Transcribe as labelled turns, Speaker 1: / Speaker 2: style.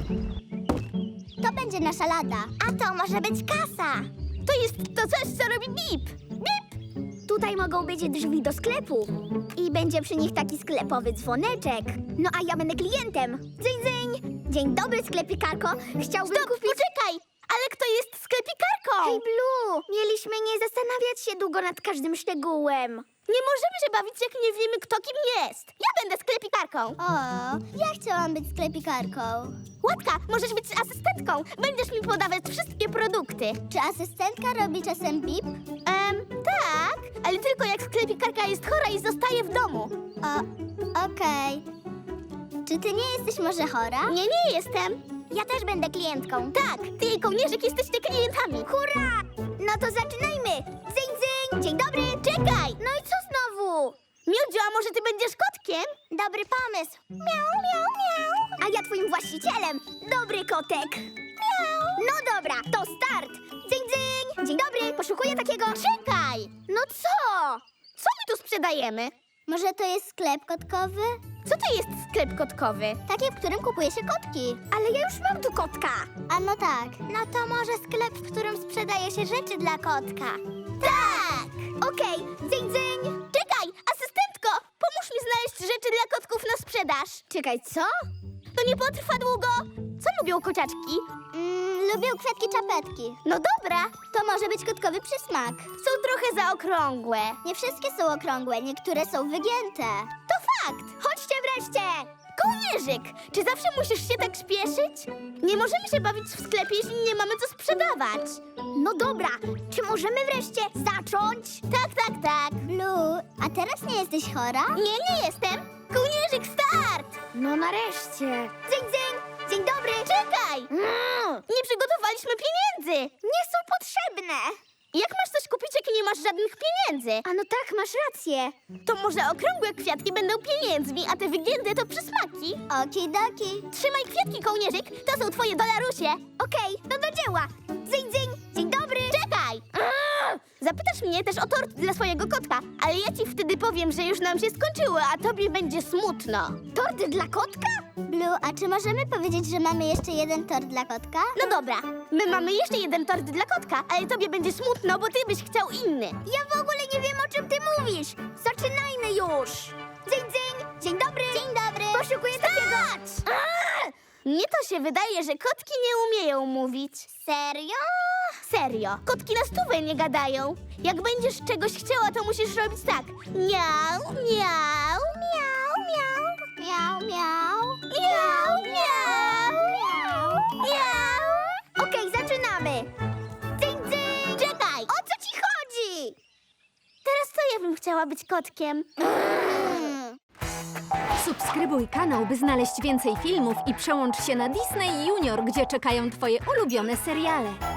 Speaker 1: To będzie nasza lada. A to może być kasa.
Speaker 2: To jest to coś, co robi bip. Bip!
Speaker 1: Tutaj mogą być drzwi do sklepu. I będzie przy nich taki sklepowy dzwoneczek. No a ja będę klientem. Dzyń, dzyń. Dzień dobry, sklepikarko. Chciałbym
Speaker 2: Stop,
Speaker 1: kupić...
Speaker 2: poczekaj! Ale kto jest sklepikarką?
Speaker 1: Hej, Blue! Mieliśmy nie zastanawiać się długo nad każdym szczegółem.
Speaker 2: Nie możemy się bawić, jak nie wiemy, kto kim jest. Ja będę sklepikarką.
Speaker 1: O, ja chciałam być sklepikarką.
Speaker 2: Łatka, możesz być asystentką. Będziesz mi podawać wszystkie produkty.
Speaker 1: Czy asystentka robi czasem bip?
Speaker 2: Tak, ale tylko jak sklepikarka jest chora i zostaje w domu.
Speaker 1: Okej. Czy ty nie jesteś może chora?
Speaker 2: Nie, nie jestem.
Speaker 1: Ja też będę klientką.
Speaker 2: Tak, ty i kołnierzyk jesteście klientami.
Speaker 1: Hurra! No to zaczynajmy! Dzyń, dzyń! Dzień dobry!
Speaker 2: Czekaj!
Speaker 1: No i co znowu?
Speaker 2: Miodziu, a może ty będziesz kotkiem?
Speaker 1: Dobry pomysł. Miau, miau, miau. A ja twoim właścicielem. Dobry kotek. Miau. No dobra, to start. Dzyń, dzyń. Dzień dobry, poszukuję takiego...
Speaker 2: Czekaj!
Speaker 1: No co?
Speaker 2: Co my tu sprzedajemy?
Speaker 1: Może to jest sklep kotkowy?
Speaker 2: Co to jest sklep kotkowy?
Speaker 1: Taki, w którym kupuje się kotki. Ale ja już mam tu kotka. A no tak. No to może sklep, w którym sprzedaje się rzeczy dla kotka. Tak! Okej, dzyń, dzyń.
Speaker 2: Czekaj, asystentko! Pomóż mi znaleźć rzeczy dla kotków na sprzedaż.
Speaker 1: Czekaj, co?
Speaker 2: To nie potrwa długo. Co lubią kociaczki?
Speaker 1: Lubię kwiatki czapetki.
Speaker 2: No dobra,
Speaker 1: To może być kotkowy przysmak.
Speaker 2: są trochę zaokrągłe.
Speaker 1: Nie wszystkie są okrągłe, niektóre są wygięte.
Speaker 2: To fakt.
Speaker 1: Chodźcie wreszcie!
Speaker 2: Kołnierzyk, czy zawsze musisz się tak śpieszyć? Nie możemy się bawić w sklepie, jeśli nie mamy co sprzedawać.
Speaker 1: No dobra, czy możemy wreszcie zacząć?
Speaker 2: Tak, tak, tak.
Speaker 1: Blue, a teraz nie jesteś chora?
Speaker 2: Nie, nie jestem. Kołnierzyk, start!
Speaker 1: No nareszcie. Dzień, dzień, dzień dobry.
Speaker 2: Czekaj! Nie przygotowaliśmy pieniędzy.
Speaker 1: Nie są potrzebne.
Speaker 2: Jak masz coś kupić, jak nie masz żadnych pieniędzy?
Speaker 1: A no tak, masz rację.
Speaker 2: To może okrągłe kwiatki będą pieniędzmi, a te wygięte to przysmaki?
Speaker 1: Okidoki.
Speaker 2: Trzymaj kwiatki, kołnierzyk, to są twoje dolarusie.
Speaker 1: Okej, no do dzieła. Dzień, dzień, dzień dobry.
Speaker 2: Czekaj! Zapytasz mnie też o tort dla swojego kotka, ale ja ci wtedy powiem, że już nam się skończyło, a tobie będzie smutno.
Speaker 1: Torty dla kotka? Blue, a czy możemy powiedzieć, że mamy jeszcze jeden tort dla kotka?
Speaker 2: No dobra, my mamy jeszcze jeden tort dla kotka, ale tobie będzie smutno, bo ty byś chciał inny.
Speaker 1: Ja w ogóle nie wiem, o czym ty mówisz. Zaczynajmy już. Dzień, dzień, dzień dobry. Dzień dobry. Poszukuję takiego...
Speaker 2: Mnie to się wydaje, że kotki nie umieją mówić.
Speaker 1: Serio?
Speaker 2: Serio, kotki na stówę nie gadają. Jak będziesz czegoś chciała, to musisz robić tak. Miau, miau, miau, miau.
Speaker 1: Miau, miau.
Speaker 2: Miau, miau,
Speaker 1: Miau.
Speaker 2: miau.
Speaker 1: Okej, zaczynamy. Dzień, dzień.
Speaker 2: Czekaj,
Speaker 1: O co ci chodzi?
Speaker 2: teraz to ja bym chciała być kotkiem.
Speaker 3: Subskrybuj kanał, by znaleźć więcej filmów i przełącz się na Disney Junior, gdzie czekają twoje ulubione seriale.